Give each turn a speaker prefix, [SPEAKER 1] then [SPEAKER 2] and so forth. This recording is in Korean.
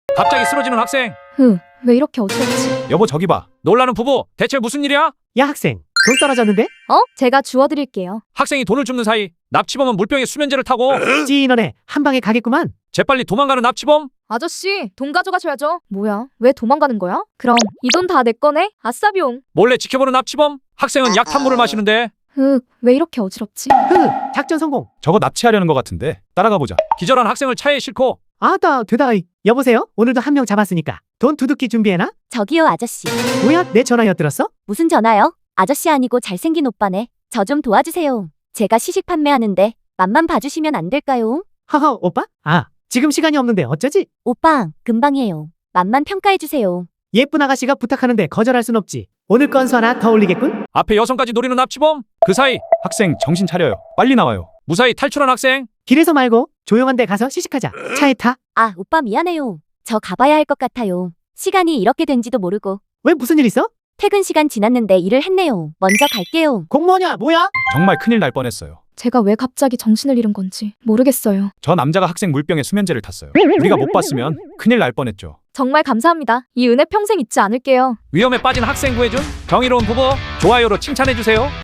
[SPEAKER 1] 갑자기 쓰러지는 학생.
[SPEAKER 2] 왜 이렇게 어지럽지?
[SPEAKER 3] 여보 저기 봐.
[SPEAKER 1] 놀라는 부부. 대체 무슨 일이야?
[SPEAKER 4] 야 학생, 돈 떨어졌는데?
[SPEAKER 2] 제가 주워드릴게요.
[SPEAKER 1] 학생이 돈을 줍는 사이 납치범은 물병에 수면제를 타고
[SPEAKER 4] 찌인원에 한 방에 가겠구만.
[SPEAKER 1] 재빨리 도망가는 납치범.
[SPEAKER 2] 아저씨, 돈 가져가셔야죠. 뭐야? 왜 도망가는 거야? 그럼 이 돈 다 내 거네? 아싸 비용.
[SPEAKER 1] 몰래 지켜보는 납치범. 학생은 약탄물을 마시는데
[SPEAKER 2] 왜 이렇게 어지럽지?
[SPEAKER 4] 작전 성공.
[SPEAKER 3] 저거 납치하려는 것 같은데 따라가 보자.
[SPEAKER 1] 기절한 학생을 차에 싣고
[SPEAKER 4] 아따 되다. 여보세요? 오늘도 한 명 잡았으니까 돈 두둑히 준비해놔.
[SPEAKER 5] 저기요, 아저씨.
[SPEAKER 4] 뭐야, 내 전화 엿들었어?
[SPEAKER 5] 무슨 전화요? 아저씨 아니고 잘생긴 오빠네. 저 좀 도와주세요. 제가 시식 판매하는데 맛만 봐주시면 안 될까요?
[SPEAKER 4] 하하, 오빠? 아, 지금 시간이 없는데 어쩌지?
[SPEAKER 5] 오빠, 금방이에요. 맛만 평가해주세요.
[SPEAKER 4] 예쁜 아가씨가 부탁하는데 거절할 순 없지. 오늘 건수 하나 더 올리겠군.
[SPEAKER 1] 앞에 여성까지 노리는 납치범. 그 사이
[SPEAKER 3] 학생 정신 차려요. 빨리 나와요.
[SPEAKER 1] 무사히 탈출한 학생.
[SPEAKER 4] 길에서 말고 조용한 데 가서 시식하자. 차에 타.
[SPEAKER 5] 아, 오빠 미안해요. 저 가봐야 할 것 같아요. 시간이 이렇게 된지도 모르고.
[SPEAKER 4] 왜 무슨 일 있어?
[SPEAKER 5] 퇴근 시간 지났는데 일을 했네요. 먼저 갈게요.
[SPEAKER 4] 공무원이야 뭐야?
[SPEAKER 3] 정말 큰일 날 뻔했어요.
[SPEAKER 2] 제가 왜 갑자기 정신을 잃은 건지 모르겠어요.
[SPEAKER 3] 저 남자가 학생 물병에 수면제를 탔어요. 우리가 못 봤으면 큰일 날 뻔했죠.
[SPEAKER 2] 정말 감사합니다. 이 은혜 평생 잊지 않을게요.
[SPEAKER 1] 위험에 빠진 학생 구해준 정의로운 부부. 좋아요로 칭찬해주세요.